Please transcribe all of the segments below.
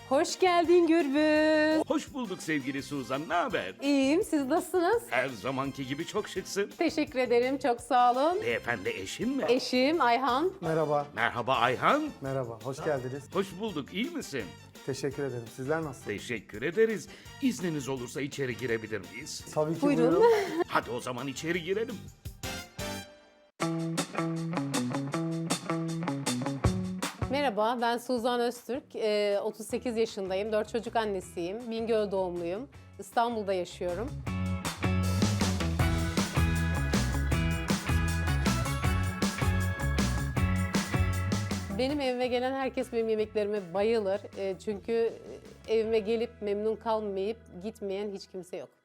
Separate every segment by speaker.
Speaker 1: Hoş geldin Gürbüz.
Speaker 2: Hoş bulduk sevgili Suzan, ne haber?
Speaker 1: İyiyim, siz nasılsınız?
Speaker 2: Her zamanki gibi çok şıksın.
Speaker 1: Teşekkür ederim, çok sağ olun.
Speaker 2: Beyefendi eşin mi?
Speaker 1: Eşim Ayhan.
Speaker 3: Merhaba,
Speaker 2: Merhaba Ayhan.
Speaker 3: merhaba. Hoş geldiniz.
Speaker 2: Hoş bulduk, iyi misin?
Speaker 3: Teşekkür ederim. Sizler nasılsınız?
Speaker 2: Teşekkür ederiz. İzniniz olursa içeri girebilir miyiz?
Speaker 3: Tabii ki
Speaker 1: Buyurun.
Speaker 3: buyurun.
Speaker 2: Hadi o zaman içeri girelim.
Speaker 1: Merhaba, ben Suzan Öztürk. 38 yaşındayım, 4 çocuk annesiyim. Bingöl doğumluyum. İstanbul'da yaşıyorum. Benim evime gelen herkes benim yemeklerime bayılır. Çünkü evime gelip memnun kalmayıp gitmeyen hiç kimse yok.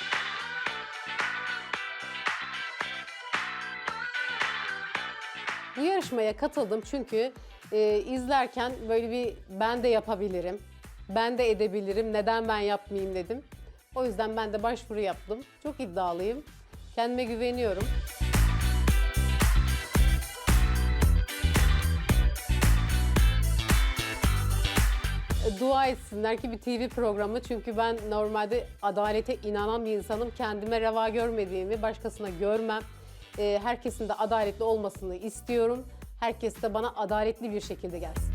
Speaker 1: Bu yarışmaya katıldım çünkü izlerken böyle bir ben de yapabilirim, ben de edebilirim, neden ben yapmayayım dedim. O yüzden ben de başvuru yaptım. Çok iddialıyım, kendime güveniyorum. Dua etsinler ki bir TV programı, çünkü ben normalde adalete inanan bir insanım. Kendime reva görmediğimi başkasına görmem. Herkesin de adaletli olmasını istiyorum. Herkes de bana adaletli bir şekilde gelsin.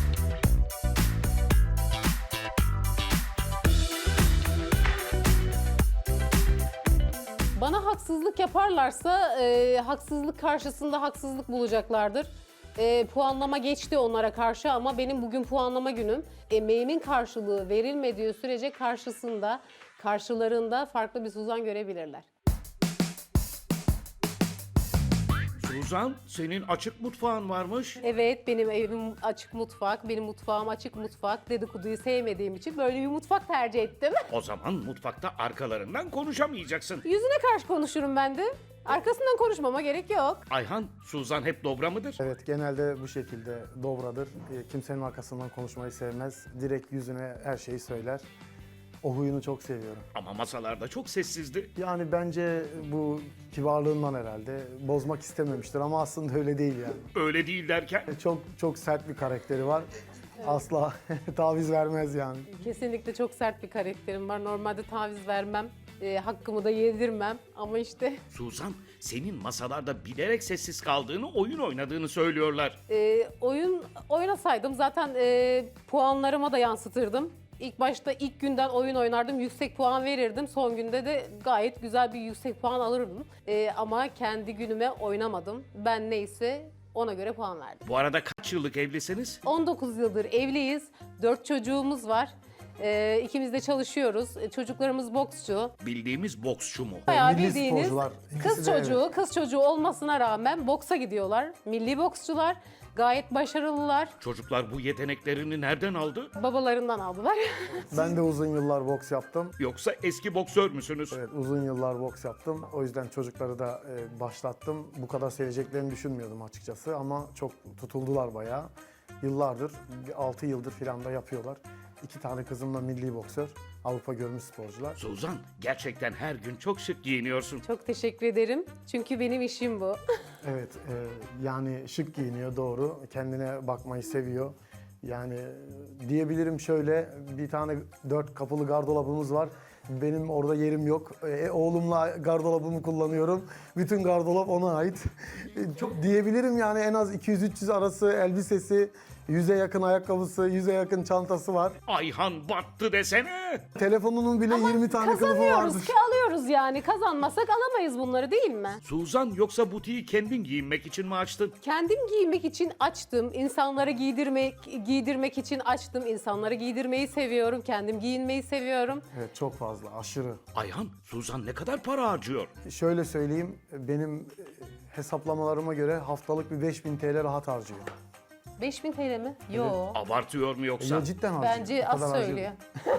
Speaker 1: Bana haksızlık yaparlarsa haksızlık karşısında haksızlık bulacaklardır. Puanlama geçti onlara karşı ama benim bugün puanlama günüm. Emeğimin karşılığı verilmediği sürece karşılarında farklı bir Suzan görebilirler.
Speaker 2: Suzan, senin açık mutfağın varmış.
Speaker 1: Evet, benim evim açık mutfak, benim mutfağım açık mutfak. Dedikoduyu sevmediğim için böyle bir mutfak tercih ettim.
Speaker 2: O zaman mutfakta arkalarından konuşamayacaksın.
Speaker 1: Yüzüne karşı konuşurum ben de. Arkasından konuşmama gerek yok.
Speaker 2: Ayhan, Suzan hep dobra mıdır?
Speaker 3: Evet, genelde bu şekilde dobradır. Kimsenin arkasından konuşmayı sevmez. Direkt yüzüne her şeyi söyler. O huyunu çok seviyorum.
Speaker 2: Ama masalarda çok sessizdi.
Speaker 3: Yani bence bu kibarlığından herhalde bozmak istememiştir ama aslında öyle değil yani.
Speaker 2: Öyle değil derken.
Speaker 3: Çok sert bir karakteri var. Asla taviz vermez yani.
Speaker 1: Kesinlikle çok sert bir karakterim var. Normalde taviz vermem, hakkımı da yedirmem ama işte
Speaker 2: Suzan, senin masalarda bilerek sessiz kaldığını, oyun oynadığını söylüyorlar.
Speaker 1: oyun oynasaydım zaten puanlarıma da yansıtırdım. İlk başta ilk günden oyun oynardım, yüksek puan verirdim. Son günde de gayet güzel bir yüksek puan alırdım. Ama kendi günüme oynamadım. Ben neyse ona göre puan verdim.
Speaker 2: Bu arada kaç yıllık evlisiniz?
Speaker 1: 19 yıldır evliyiz, 4 çocuğumuz var. İkimiz de çalışıyoruz. Çocuklarımız boksçu.
Speaker 2: Bildiğimiz boksçu mu?
Speaker 1: Bayağı
Speaker 3: Milli
Speaker 1: bildiğiniz
Speaker 3: sporcular.
Speaker 1: kız
Speaker 3: İkisi de
Speaker 1: çocuğu, kız çocuğu olmasına rağmen boksa gidiyorlar. Milli boksçular, gayet başarılılar.
Speaker 2: Çocuklar bu yeteneklerini nereden aldı?
Speaker 1: Babalarından aldılar.
Speaker 3: Ben de uzun yıllar boks yaptım.
Speaker 2: Yoksa eski boksör müsünüz?
Speaker 3: Evet, uzun yıllar boks yaptım. O yüzden çocukları da başlattım. Bu kadar seveceklerini düşünmüyordum açıkçası ama çok tutuldular bayağı. Yıllardır, 6 yıldır filan da yapıyorlar. 2 tane kızım da milli boksör, Avrupa görmüş sporcular.
Speaker 2: Suzan, gerçekten her gün çok şık giyiniyorsun.
Speaker 1: Çok teşekkür ederim. Çünkü benim işim bu.
Speaker 3: Evet, yani şık giyiniyor doğru. Kendine bakmayı seviyor. Yani diyebilirim şöyle, bir tane 4 kapılı gardırobumuz var. Benim orada yerim yok. Oğlumla gardırobamı kullanıyorum. Bütün gardırop ona ait. Çok diyebilirim yani, en az 200-300 arası elbisesi, 100'e yakın ayakkabısı, 100'e yakın çantası var.
Speaker 2: Ayhan battı desene.
Speaker 3: Telefonunun bile 20 tane kılıfı
Speaker 1: Kazanıyoruz
Speaker 3: vardır.
Speaker 1: ki alıyoruz yani. Kazanmasak alamayız bunları, değil mi?
Speaker 2: Suzan, yoksa butiği kendin giyinmek için mi açtın?
Speaker 1: Kendim giymek için açtım. İnsanlara giydirmek için açtım. İnsanları giydirmeyi seviyorum. Kendim giyinmeyi seviyorum.
Speaker 3: Evet, çok fazla, aşırı.
Speaker 2: Ayhan, Suzan ne kadar para harcıyor?
Speaker 3: Şöyle söyleyeyim, benim hesaplamalarıma göre haftalık bir 5000 TL rahat harcıyor.
Speaker 1: 5000 TL mi? Yo.
Speaker 2: Abartıyor mu yoksa?
Speaker 3: Yo, cidden harcıyor.
Speaker 1: Bence
Speaker 3: O
Speaker 1: az
Speaker 3: kadar harcıyor.
Speaker 1: söylüyor.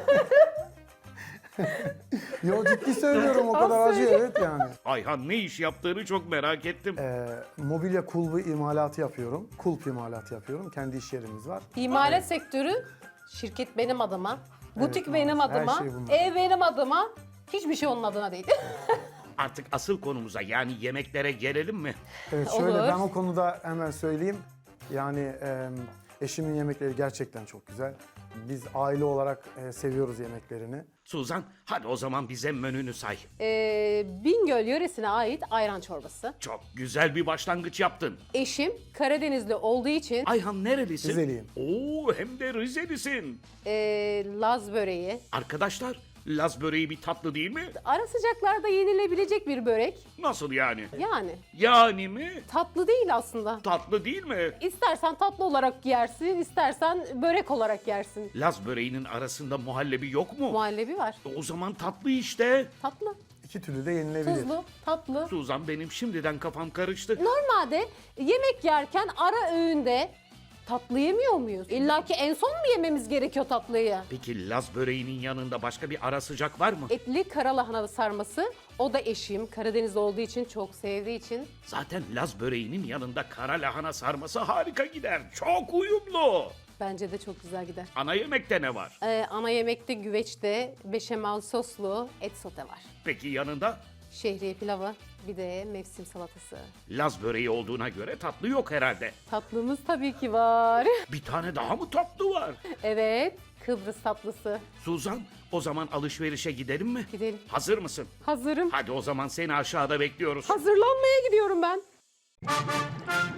Speaker 3: Yo, ciddi söylüyorum, o kadar
Speaker 1: Az
Speaker 3: harcıyor,
Speaker 1: söylüyor.
Speaker 3: evet yani.
Speaker 2: Ayhan ne iş yaptığını çok merak ettim.
Speaker 3: Mobilya kulbu imalatı yapıyorum. Kulp imalatı yapıyorum. Kendi iş yerimiz var.
Speaker 1: İmalat sektörü, şirket benim adıma, butik benim
Speaker 3: maalesef. Her
Speaker 1: adıma,
Speaker 3: şey bunun
Speaker 1: ev benim adıma, hiçbir şey onun adına değil.
Speaker 2: Artık asıl konumuza, yani yemeklere gelelim mi?
Speaker 3: Evet, şöyle
Speaker 1: Olur.
Speaker 3: ben o konuda hemen söyleyeyim. Yani Eşimin yemekleri gerçekten çok güzel. Biz aile olarak seviyoruz yemeklerini.
Speaker 2: Suzan, hadi o zaman bize menünü say.
Speaker 1: Bingöl yöresine ait ayran çorbası.
Speaker 2: Çok güzel bir başlangıç yaptın.
Speaker 1: Eşim Karadenizli olduğu için
Speaker 2: Ayhan nerelisin?
Speaker 3: Rizeliyim.
Speaker 2: Oo, hem de Rizelisin.
Speaker 1: Laz böreği.
Speaker 2: Arkadaşlar, Laz böreği bir tatlı değil mi?
Speaker 1: Ara sıcaklarda yenilebilecek bir börek.
Speaker 2: Nasıl yani?
Speaker 1: Yani
Speaker 2: Yani mi?
Speaker 1: tatlı değil aslında.
Speaker 2: Tatlı değil mi?
Speaker 1: İstersen tatlı olarak yersin, istersen börek olarak yersin.
Speaker 2: Laz böreğinin arasında muhallebi yok mu?
Speaker 1: Muhallebi var.
Speaker 2: O zaman tatlı işte.
Speaker 1: Tatlı,
Speaker 3: İki türlü de yenilebilir.
Speaker 1: tuzlu, tatlı.
Speaker 2: Suzan, benim şimdiden kafam karıştı.
Speaker 1: Normalde yemek yerken ara öğünde tatlı yemiyor muyuz? İlla ki en son mu yememiz gerekiyor tatlıyı?
Speaker 2: Peki Laz böreğinin yanında başka bir ara sıcak var mı?
Speaker 1: Etli karalahana sarması, o da eşim Karadeniz olduğu için, çok sevdiği için.
Speaker 2: Zaten Laz böreğinin yanında kara lahana sarması harika gider. Çok uyumlu.
Speaker 1: Bence de çok güzel gider.
Speaker 2: Ana yemekte ne var?
Speaker 1: Ana yemekte güveçte beşamel soslu et sote var.
Speaker 2: Peki yanında?
Speaker 1: Şehriye pilavı, bir de mevsim salatası.
Speaker 2: Laz böreği olduğuna göre tatlı yok herhalde.
Speaker 1: Tatlımız tabii ki var.
Speaker 2: Bir tane daha mı tatlı var?
Speaker 1: Evet, Kıbrıs tatlısı.
Speaker 2: Suzan, o zaman alışverişe gidelim mi?
Speaker 1: Gidelim.
Speaker 2: Hazır mısın?
Speaker 1: Hazırım.
Speaker 2: Hadi o zaman seni aşağıda bekliyoruz.
Speaker 1: Hazırlanmaya gidiyorum ben.